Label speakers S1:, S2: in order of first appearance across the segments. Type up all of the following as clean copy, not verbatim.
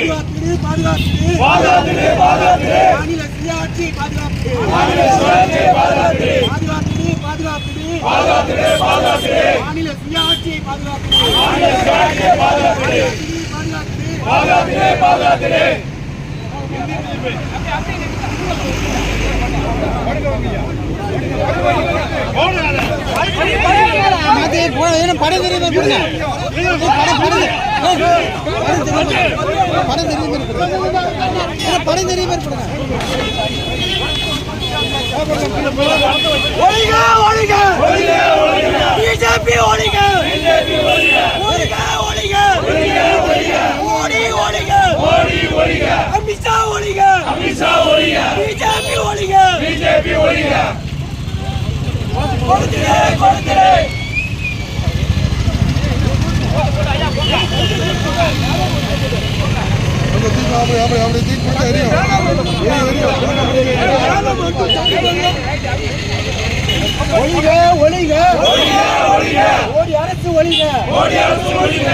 S1: மாநில சுயாட்சி பாதுகாப்பு மாநில சுயாட்சி பாதுகாப்பு படம் தெரியுமா பிஜேபி ஒழிக அமித்ஷா ஒழிக பிஜேபி ஒழிக கொடுத்துடு ஒழிக மோடி அரசு ஒழிக மோடி அரசு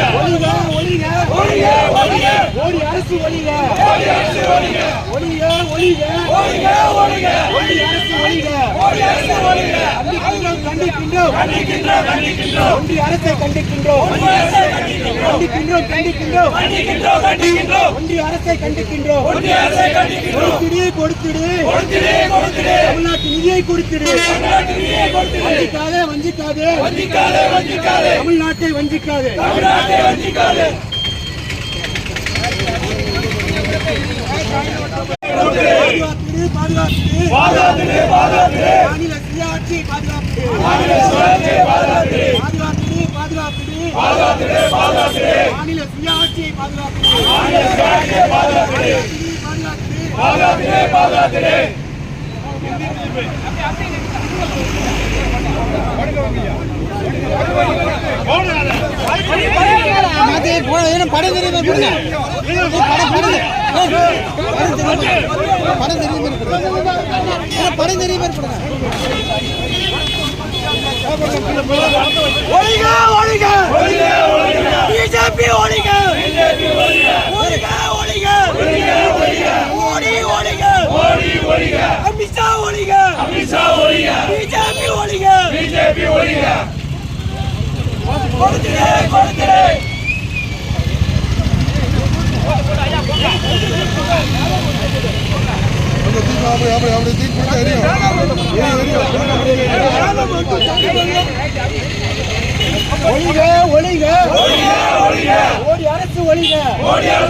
S1: கண்டிக்கின்றோம் ஒன்றிய அரசை கண்டிக்கின்றோம் ஒன்றிய அரசை கண்டிக்கின்றோம் கொடுத்துடு தமிழ்நாட்டு நிதியை கொடுத்துடு வஞ்சிக்காதே தமிழ்நாட்டை வஞ்சிக்காதே மாநில சுயாட்சி பாதுகாப்பு மாநில சுயாட்சி படம் தெரியுமா பிஜேபி ஒழிக அமித்ஷா ஒழிக பிஜேபி ஒழிக கொடுத்துடு ஒழிக மோடி அரசு ஒழிக